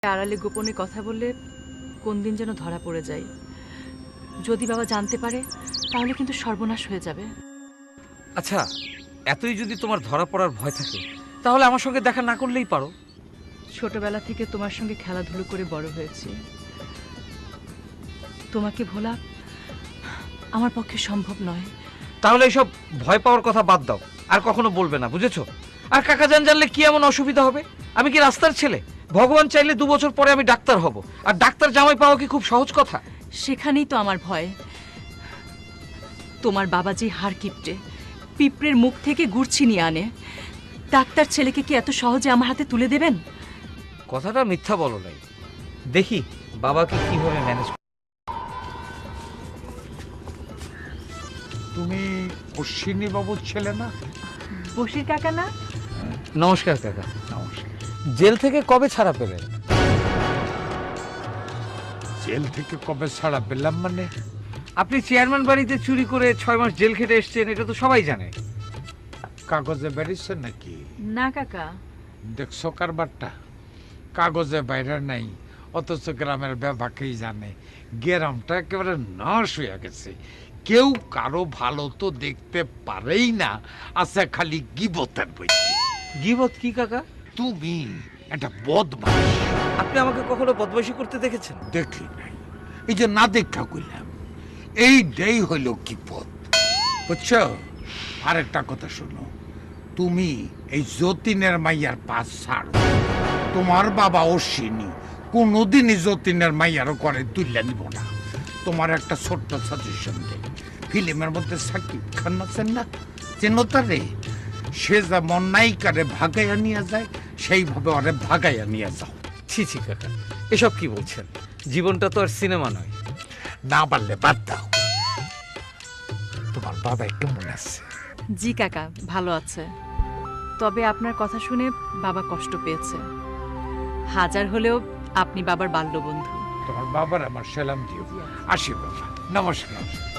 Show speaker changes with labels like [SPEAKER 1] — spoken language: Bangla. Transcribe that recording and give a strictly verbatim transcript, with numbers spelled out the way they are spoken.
[SPEAKER 1] আড়ালে গোপনে কথা বললে কোন দিন যেন ধরা পড়ে যায়। যদি বাবা জানতে পারে তাহলে কিন্তু সর্বনাশ হয়ে যাবে।
[SPEAKER 2] আচ্ছা, এতই যদি তোমার ধরা পড়ার ভয় থাকে তাহলে আমার সঙ্গে দেখা না করলেই পারো।
[SPEAKER 1] ছোটবেলা থেকে তোমার সঙ্গে খেলাধুলো করে বড় হয়েছি, তোমাকে ভোলা আমার পক্ষে সম্ভব নয়।
[SPEAKER 2] তাহলে এইসব ভয় পাওয়ার কথা বাদ দাও, আর কখনো বলবে না, বুঝেছো? আর কাকা জান জানলে কি এমন অসুবিধা হবে? আমি কি রাস্তার ছেলে? ভগবান চাইলে দু বছর পরে আমি ডাক্তার হব, আর ডাক্তার জামাই পাওয়া কি খুব সহজ কথা?
[SPEAKER 1] সেখানেই তো আমার ভয়। তোমার বাবা যে হাড় কিপটে, পিঁপড়ের মুখ থেকে গুড় ছিনিয়ে আনে, ডাক্তার ছেলেকে কি এত সহজে আমার হাতে তুলে দেবেন?
[SPEAKER 2] কথাটা মিথ্যা বলো নাই। দেখি বাবাকে কিভাবে ম্যানেজ।
[SPEAKER 3] তুমি অশ্বিনী বাবুর ছেলে না?
[SPEAKER 1] বসির কাকা না?
[SPEAKER 2] নমস্কার কাকা।
[SPEAKER 3] নমস্কার।
[SPEAKER 2] জেল থেকে কবে ছাড়া পেলেন?
[SPEAKER 3] জেল থেকে কবে ছাড়া পেলাম মানে?
[SPEAKER 2] আপনি চেয়ারম্যান বাড়িতে চুরি করে ছয় মাস জেল খেটে এসেছেন, এটা তো সবাই জানে।
[SPEAKER 3] কাগজে বেরিয়েছে নাকি?
[SPEAKER 1] না কাকা।
[SPEAKER 3] দেখছো কারবারটা? কাগজে বাইরে নাই, অথচ গ্রামের ব্যাপাকেই জানে। গ্রামটা একেবারে নাশ হয়ে গেছে, কেউ কারো ভালো তো দেখতে পারেই না, আছে খালি গিবতের বইতে।
[SPEAKER 2] গিবত কি কাকা?
[SPEAKER 3] তুমি একটা বদমাশ।
[SPEAKER 2] আপনি আমাকে কখনো বদমাইশি করতে দেখেছেন?
[SPEAKER 3] দেখি নাই, এই যে না দেখা কইলাম, এইটাই হইল গিবত, বুঝছো? আরেকটা কথা শোনো, তুমি এই যতীনের মাইয়ার পাশ ছাড়ো। তোমার বাবা অশ্বিনী কোনোদিনই যতীনের মাইয়ারও করে তুললে নিব না। তোমার একটা ছোট্ট সাজেশন দেয়, ফিল্মের মধ্যে সাকিব খান আছেন না, চেনো তারে? সে যেমন নায়িকারে ভাগাইয়া নিয়ে যায়, সেইভাবে ওরে ভাগাইয়া নিয়ে যাও।
[SPEAKER 2] ছি ছি কাকা, এসব কি বলছেন? জীবনটা তো আর সিনেমা নয়।
[SPEAKER 3] না পারলে বাদ দাও। তোমার বাবা কেমন আছে?
[SPEAKER 1] জি কাকা, ভালো আছে। তবে আপনার কথা শুনে বাবা কষ্ট পেয়েছে। হাজার হলেও আপনি বাবার বাল্যবন্ধু।
[SPEAKER 3] তোমার বাবার আমার সালাম দিও। আসি বাবা, নমস্কার।